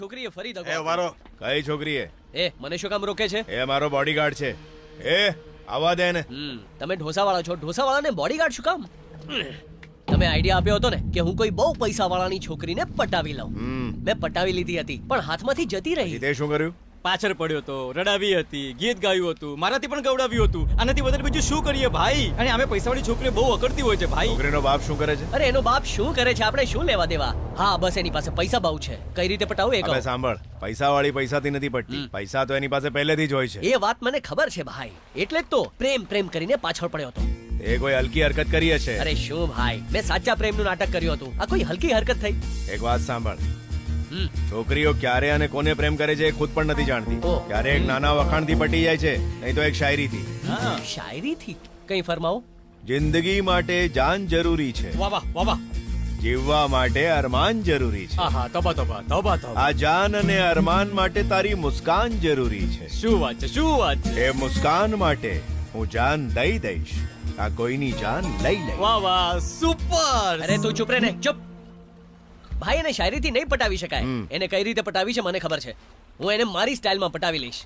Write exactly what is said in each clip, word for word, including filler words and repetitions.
છોકરીએ ફરી દગો એ આપ્યો. વારો કઈ છોકરીએ? એ મને શું કામ રોકે છે? એ મારો બોડીગાર્ડ છે. એ આવવા દે ને. હમ, તમે ઢોસાવાળા છો, ઢોસાવાળાને બોડીગાર્ડ શું કામ? તમે આઈડિયા આપ્યો હતો ને કે હું કોઈ બહુ પૈસાવાળાની છોકરીને પટાવી લઉં. હમ. મેં પટાવી લીધી હતી પણ હાથમાંથી જતી રહી. તે શું કર્યું? પાછળ પડ્યો તો રડાવી હતી, ગીત ગાયું હતું, મારાથી પણ ગવડાવ્યું હતું. આનાથી વધારે બીજું શું કરીએ ભાઈ? અને આમે પૈસાવાળી છોકરીઓ બહુ અકડતી હોય છે ભાઈ. છોકરીનો બાપ શું કરે છે? અરે એનો બાપ શું કરે છે આપણે શું લેવા દેવા? હા બસ એની પાસે પૈસા બહુ છે. કઈ રીતે પટાવું એ કહો. હવે સાંભળ, પૈસાવાળી પૈસાથી નથી પડતી. પૈસા તો એની પાસે પહેલેથી જ હોય છે. એ વાત મને ખબર છે ભાઈ, એટલે જ તો પ્રેમ પ્રેમ કરીને પાછળ પડ્યો હતો. એ કોઈ હલકી હરકત કરી હશે. અરે શું ભાઈ, મેં સાચા પ્રેમનું નાટક કર્યું હતું. આ કોઈ હલકી હરકત થઈ? એક વાત સાંભળ, હમ. છોકરીઓ ક્યારે અને કોને પ્રેમ કરે છે એ ખુદ પણ નથી જાણતી. ઓહ. ક્યારે એક નાના વખાણથી પટી જાય છે, નહીં તો એક શાયરીથી. હા. શાયરીથી કઈ ફરમાવો. જિંદગી માટે જાન જરૂરી છે, વાહ વાહ વાહ વાહ. જીવવા માટે અરમાન જરૂરી છે. આહા, તોબા તોબા તોબા તોબા. આ જાન અને અરમાન માટે તારી મુસ્કાન જરૂરી છે. શું વાત છે, શું વાત છે. એ મુસ્કાન માટે હું જાન દઈ દઈશ, આ કોઈની જાન લઈ લઈશ. વાહ વાહ, સુપર. અરે તું ચૂપ રે ને, ચૂપ. ભાઈ એને શાયરીથી નહીં પટાવી શકાય. હમ. એને કઈ રીતે પટાવી છે મને ખબર છે. હું એને મારી સ્ટાઇલમાં પટાવી લઈશ.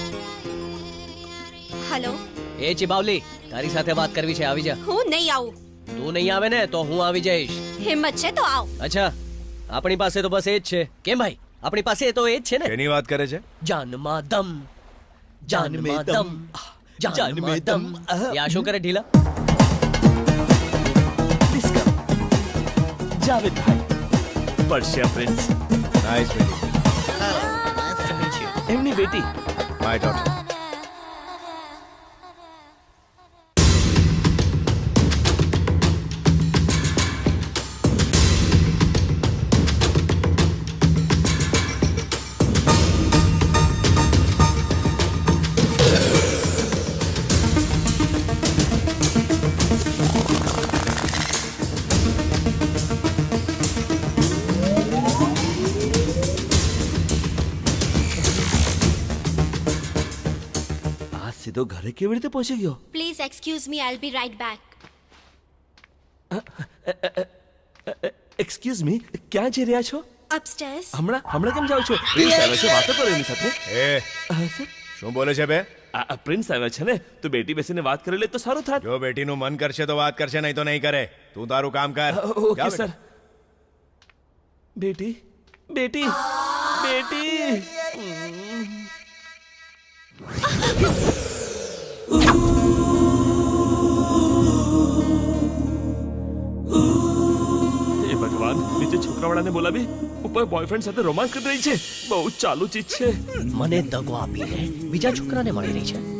હેલો, એ ચિબાવલી, તારી સાથે વાત કરવી છે, આવી જા. હું નહીં આવું. તું નહીં આવે ને તો હું આવી જઈશ. હિંમત છે તો આવ. અચ્છા, આપણી પાસે તો બસ એ જ છે. કેમ ભાઈ, આપણી પાસે તો એ જ છે ને. એની વાત કરે છે. જાનમાં દમ, જાનમાં દમ, જાનમાં દમ. એ આ શું કરે ઢીલા? જાવેદ ભાઈ, પર્શિયા પ્રિન્સ, નાઇસ મીટિંગ. એમની બેટી. My daughter. આ સીધો ઘરે કેવી રીતે પહોંચી ગયો? Please excuse me, I'll be right back. Excuse me, ક્યાં જઈ રહ્યા છો? અપસ્ટેર્સ. હમણાં હમણાં કેમ જાઓ છો? પ્રિન્સ આવ્યા છે, વાતો કરો એની સાથે. એ હા, સર. શું બોલે છે બે? આ આ પ્રિન્સ આવ્યા છે ને, તો બેટી બેસીને વાત કરી લે તો સારું થાત. જો બેટીનું મન કરશે તો વાત કરશે, નહીં તો નહીં કરે. તું તારું કામ કર. ઓકે જા સર. બેટા. બેટી બેટી બેટી. હે ભગવાન, નીચે છોકરાવાળાને બોલાવી ઉપર બોયફ્રેન્ડ સાથે રોમાન્સ કરી રહી છે. બહુ ચાલુ ચીજ છે. મને દગો આપીને બીજા છોકરાને મળી રહી છે.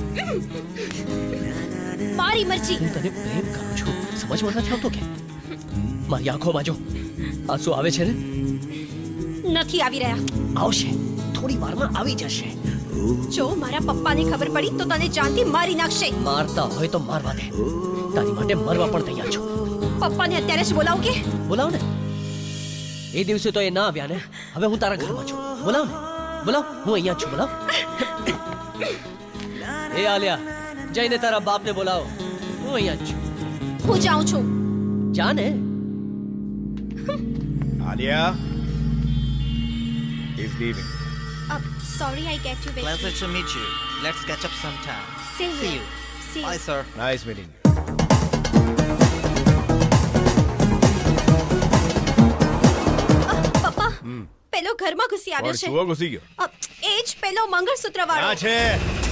મારી મરજી. હું તને પ્રેમ કરું છું, સમજમાં નથી આવતો કે? મારી આંખોમાં જો આંસુ આવે છે ને? નથી આવી રહ્યા. આવશે, થોડી વારમાં આવી જશે. જો મારા પપ્પાને ખબર પડી તો તને જાનથી મારી નાખશે. મારતા હોય તો મારવા દે, તારી માટે મરવા પણ તૈયાર છું. પપ્પાને અત્યારે જ બોલાવ કે. બોલાવ ને. એ દિવસે તો એ ના આવ્યા ને, હવે હું તારા ઘરમાં છું. બોલાવ ને, બોલાવ. હું અહીંયા જ છું, બોલાવ. એ આલિયા, જઈને તારા બાપને બોલાવો. હું અહીંયા જ છું. હું જાઉં છું. જા ને. Alia is leaving. Sorry I get you wait. Pleasure to meet you. Let's catch up sometime. See See you. you. See Bye, you. sir. Nice meeting you. પપ્પા, પેલો ઘરમાં ઘૂસી આવ્યો પણ છે. છુઓ ઘૂસી ગયો. અ, એ જ પેલો મંગળસૂત્ર વાળો. ક્યાં છે?